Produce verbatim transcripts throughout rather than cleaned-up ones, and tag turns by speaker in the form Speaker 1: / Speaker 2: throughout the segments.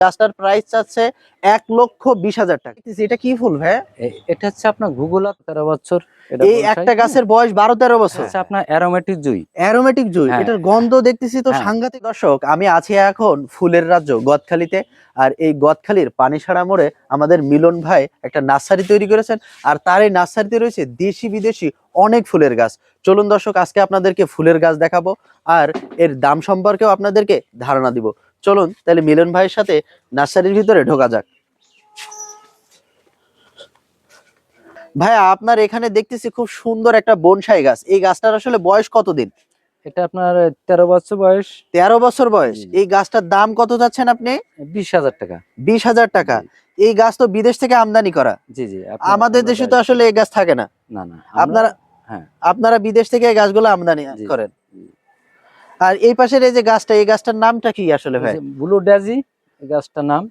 Speaker 1: গাছটার প্রাইস চাচ্ছে এক লক্ষ বিশ হাজার টাকা। এটা কি ফুল ভাই?
Speaker 2: এটা হচ্ছে আপনার গুগলা তেরো বছর।
Speaker 1: এই একটা গাছের বয়স বারো তেরো বছর।
Speaker 2: আপনার অ্যারোমেটিক জুই।
Speaker 1: অ্যারোমেটিক জুই, এটার গন্ধ দেখতেছি তো সাংঘাতিক। দর্শক, আমি আছি এখন ফুলের রাজ্য গদখালিতে। আর এই গদখালির পানিসারা মোড়ে আমাদের মিলন ভাই একটা নার্সারি তৈরি করেছেন। আর তার এই নার্সারিতে রয়েছে দেশি বিদেশি অনেক ফুলের গাছ। চলুন দর্শক, আজকে আপনাদেরকে ফুলের গাছ দেখাবো আর এর দাম সম্পর্কেও আপনাদেরকে ধারণা দিব। চলুন তাহলে মিলন ভাইয়ের সাথে নার্সারির ভিতরে ঢোকা যাক। ভাইয়া, আপনার এখানে দেখতেছি খুব সুন্দর একটা বনসাই গাছ। এই গাছটার আসলে বয়স কতদিন?
Speaker 2: এটা আপনার তেরো বছর বয়স।
Speaker 1: তেরো বছর বয়স। এই গাছটার দাম কত যাচ্ছেন আপনি?
Speaker 2: বিশ হাজার টাকা।
Speaker 1: বিশ হাজার টাকা। এই গাছ তো বিদেশ থেকে আমদানি করা।
Speaker 2: জি জি।
Speaker 1: আমাদের দেশে তো আসলে এই গাছ থাকে না।
Speaker 2: না না,
Speaker 1: আপনারা হ্যাঁ আপনারা বিদেশ থেকে এই গাছগুলো আমদানি করেন। আর এই পাশের এই যে গাছটা, এই গাছটার নামটা কি আসলে ভাই?
Speaker 2: ব্লু ডেজি এই গাছটার নাম।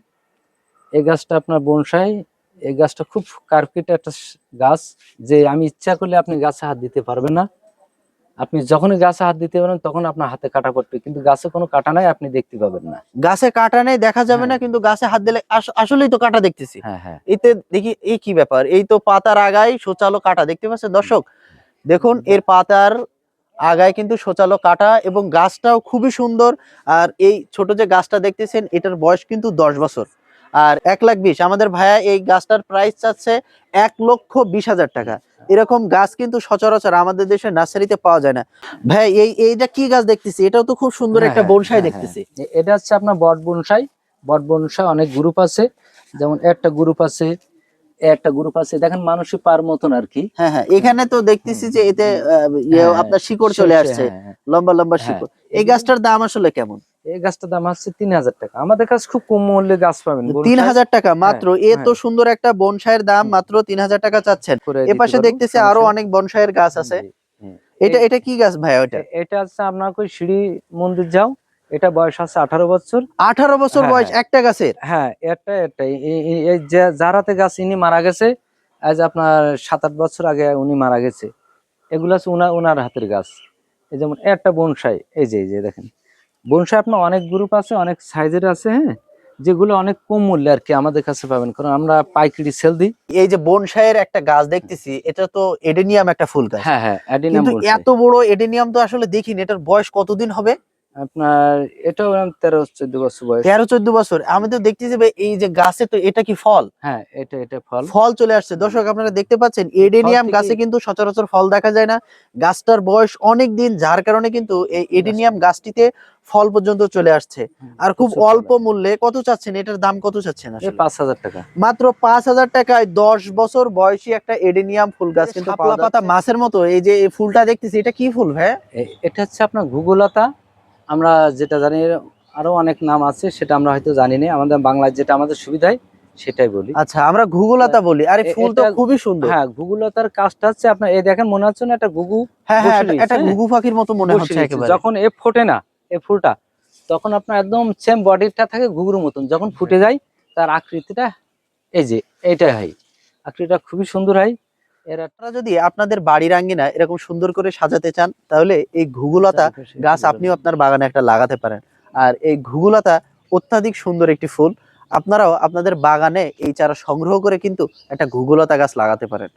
Speaker 2: এই গাছটা আপনার বনসাই। এই গাছটা খুব কার্পেট একটা গাছ, যে আমি ইচ্ছা করলে আপনি গাছে হাত দিতে পারবেন না। আপনি যখনই গাছে হাত দিতে পারেন তখন আপনার হাতে কাটা পড়বে, কিন্তু গাছে কোনো কাটা নাই, আপনি দেখতে পাবেন না।
Speaker 1: গাছে কাটা নেই, দেখা যাবে না, কিন্তু গাছে হাত দিলে আসলেই তো কাটা দেখতেছি।
Speaker 2: হ্যাঁ হ্যাঁ।
Speaker 1: এতে দেখি এই কি ব্যাপার, এই তো পাতার আগায় সোচালো কাটা দেখতে পাচ্ছেন দর্শক। দেখুন এর পাতার আগায় কিন্তু সোচালো কাটা, এবং গাছটাও খুবই সুন্দর। আর এই ছোট যে গাছটা দেখতেছেন, এটার বয়স কিন্তু দশ বছর। আর এক লাখ বিশ আমাদের ভাইয়া এই গাছটার প্রাইস চাচ্ছে এক লক্ষ বিশ হাজার টাকা। এরকম গাছ কিন্তু সচরাচর আমাদের দেশে নার্সারিতে পাওয়া যায় না। ভাই এই এইটা কি গাছ দেখতেছি? এটাও তো খুব সুন্দর একটা বনসাই দেখতেছি।
Speaker 2: এটা হচ্ছে আপনার বট বনসাই। বট বনসাই অনেক গ্রুপ আছে, যেমন একটা গ্রুপ আছে, একটা গ্রুপ আছে, দেখেন মানুষই পার মতন আর কি।
Speaker 1: হ্যাঁ হ্যাঁ, এখানে তো দেখতেছি যে এতে আপনার শিকড় চলে আসছে, লম্বা লম্বা শিকড়। এই গাছটার দাম আসলে কেমন?
Speaker 2: এই গাছটার দাম হচ্ছে তিন হাজার টাকা। আমাদের কাছে খুব কম মূল্যে গাছ পাবেন।
Speaker 1: তিন হাজার টাকা মাত্র? এত সুন্দর একটা বনসাইয়ের দাম মাত্র তিন হাজার টাকা চাচ্ছেন। এ পাশে দেখতেছি আরো অনেক বনসাইয়ের গাছ আছে। এটা এটা কি গাছ ভাই? ওটা
Speaker 2: এটা হচ্ছে আপনার কই সিঁড়ি মন্দির যাও। এটা বয়স আছে আঠারো বছর।
Speaker 1: আঠারো বছর বয়স একটা গাছের?
Speaker 2: হ্যাঁ, একটা একটাই। এই যে যারাতে গাছ ইনি মারা গেছে আজ আপনার সাত আট বছর আগে উনি মারা গেছে। এগুলো হচ্ছে উনার উনার হাতের গাছ। এই যেমন একটা বনসাই, এই যে এই যে দেখেন বনসাই আপনার অনেক গ্রুপ আছে, অনেক সাইজের আছে। হ্যাঁ, যেগুলো অনেক কম মূল্যে আর কি আমাদের কাছে পাবেন, কারণ আমরা পাইকারি সেল দিই।
Speaker 1: এই যে বনসাইয়ের একটা গাছ দেখতেছি, এটা তো এডেনিয়াম একটা ফুল গাছ।
Speaker 2: হ্যাঁ হ্যাঁ, এডেনিয়াম।
Speaker 1: কিন্তু এত বড় এডেনিয়াম তো আসলে দেখিনি। এটার বয়স কতদিন হবে?
Speaker 2: আপনার এটাও তেরো চোদ্দ বছর বয়স।
Speaker 1: তেরো চোদ্দ বছর। আমি তো দেখতেছি এই যে গাছে, তো এটা কি ফল?
Speaker 2: হ্যাঁ, এটা এটা ফল।
Speaker 1: ফল চলে আসছে দর্শক, আপনারা দেখতে পাচ্ছেন। এডেনিয়াম গাছে কিন্তু সচরাচর ফল দেখা যায় না। গাছটার বয়স অনেক দিন, যার কারণে কিন্তু এই এডেনিয়াম গাছটিতে ফল পর্যন্ত চলে আসছে। আর খুব অল্প মূল্যে। কত চাচ্ছেন এটার দাম? কত চাচ্ছেন?
Speaker 2: পাঁচ হাজার টাকা।
Speaker 1: মাত্র পাঁচ হাজার টাকায় দশ বছর বয়সী একটা এডেনিয়াম ফুল গাছ কিন্তু পাওয়া যাচ্ছে। পাতা মাছের মতো এই যে এই ফুলটা দেখতেছি, এটা কি ফুল ভাই?
Speaker 2: এটা হচ্ছে আপনার গুগলতা। আমরা যেটা জানি, আরো অনেক নাম আছে, সেটা আমরা হয়তো জানি না। আমাদের বাংলায় যেটা আমাদের সুবিধায় সেটাই বলি।
Speaker 1: আচ্ছা, আমরা ঘুঘুলতা বলি। আরে ফুল তো খুবই সুন্দর।
Speaker 2: হ্যাঁ, ঘুঘুলতার কাজটা হচ্ছে আপনার এই দেখেন, মনে হচ্ছে না একটা ঘুঘু?
Speaker 1: হ্যাঁ হ্যাঁ, এটা ঘুঘু পাখির মতো মনে হচ্ছে একেবারে।
Speaker 2: যখন এ ফোটে না এই ফুলটা, তখন আপনার একদম সেম বডিটা থাকে ঘুঘুর মতন। যখন ফুটে যায় তার আকৃতিটা এই যে এইটাই হয়। আকৃতিটা খুবই সুন্দর হয়।
Speaker 1: এরা যদি আপনাদের বাড়ির আঙ্গিনা এরকম সুন্দর করে সাজাতে চান, তাহলে এই ঘুঘুলতা গাছ আপনিও আপনার বাগানে একটা লাগাতে পারেন। আর এই ঘুঘুলতা অত্যাধিক সুন্দর একটি ফুল। আপনারাও আপনাদের বাগানে এই চারা সংগ্রহ করে কিন্তু একটা ঘুঘুলতা গাছ লাগাতে পারেন।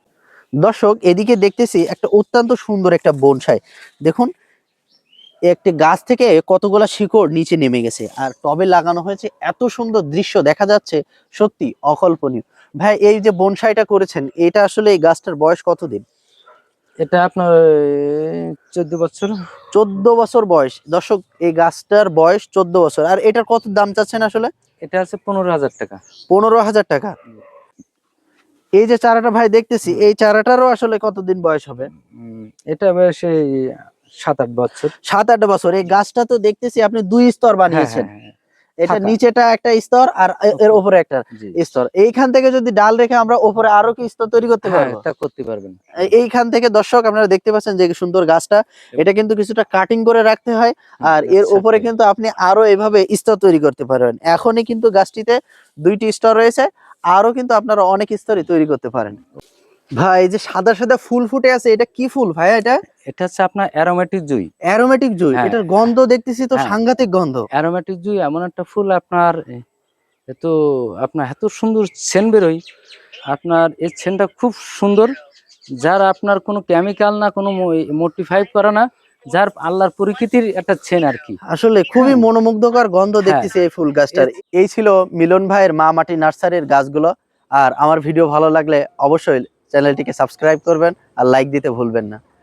Speaker 1: দর্শক, এদিকে দেখতেছি একটা অত্যন্ত সুন্দর একটা বনসাই। দেখুন একটি গাছ থেকে কতগুলা শিকড় নিচে নেমে গেছে, আর টবে লাগানো হয়েছে। এত সুন্দর দৃশ্য দেখা যাচ্ছে, সত্যি অকল্পনীয়। ভাই, এই যে বনসাইটা করেছেন, এটা আসলে এই গাছটার বয়স কতদিন?
Speaker 2: এটা আপনার চোদ্দ বছর।
Speaker 1: চোদ্দ বছর বয়স। দর্শক, এই গাছটার বয়স চোদ্দ বছর। আর এটার কত দাম চাচ্ছেন আসলে?
Speaker 2: এটা আছে পনেরো হাজার টাকা।
Speaker 1: পনেরো হাজার টাকা। এই যে চারাটা ভাই দেখতেছি, এই চারাটারও আসলে কতদিন বয়স হবে?
Speaker 2: এটা বয়স সাত আট বছর।
Speaker 1: সাত আট বছর। এই গাছটা তো দেখতেছি আপনি দুই স্তর বানিয়েছেন। এটা নিচেটা একটা স্তর আর এর উপরে একটা স্তর। এইখান থেকে যদি ডাল রেখে আমরা উপরে আরো কি স্তর তৈরি করতে পারবো?
Speaker 2: তা করতে পারবেন।
Speaker 1: এইখান থেকে দর্শক আপনারা দেখতে পাচ্ছেন যে সুন্দর গাছটা, এটা কিন্তু কিছুটা কাটিং করে রাখতে হয়। আর এর উপরে কিন্তু আপনি আরো এভাবে স্তর তৈরি করতে পারবেন। এখনই কিন্তু গাছটিতে দুইটি স্তর রয়েছে, আরো কিন্তু আপনারা অনেক স্তরই তৈরি করতে পারেন। ভাই, এই যে সাদা সাদা ফুল ফুটে আছে, এটা কি ফুল ভাই? এটা
Speaker 2: এটা হচ্ছে আপনার অ্যারোমেটিক জুই।
Speaker 1: অ্যারোমেটিক জুই। এটার গন্ধ দেখতেছি তো সাংঘাতিক গন্ধ।
Speaker 2: অ্যারোমেটিক জুই এমন একটা ফুল, আপনার এত আপনার এত সুন্দর সেন্ট বেরোয়, আপনার এই সেন্টটা খুব সুন্দর, যার আপনার কোনো কেমিক্যাল না, কোনো মোটিফাই করা না, যার আল্লাহর প্রকৃতির একটা সেন্ট আর কি।
Speaker 1: আসলে খুবই
Speaker 2: হ্যাঁ।
Speaker 1: মনোমুগ্ধকর গন্ধ
Speaker 2: হ্যাঁ।
Speaker 1: দেখতেছি এই ফুল গাছটার। এই ছিল মিলন ভাইয়ের মা মাটি নার্সারির গাছগুলো। আর আমার ভিডিও ভালো লাগলে অবশ্যই চ্যানেলটিকে সাবস্ক্রাইব করবেন আর লাইক দিতে ভুলবেন না।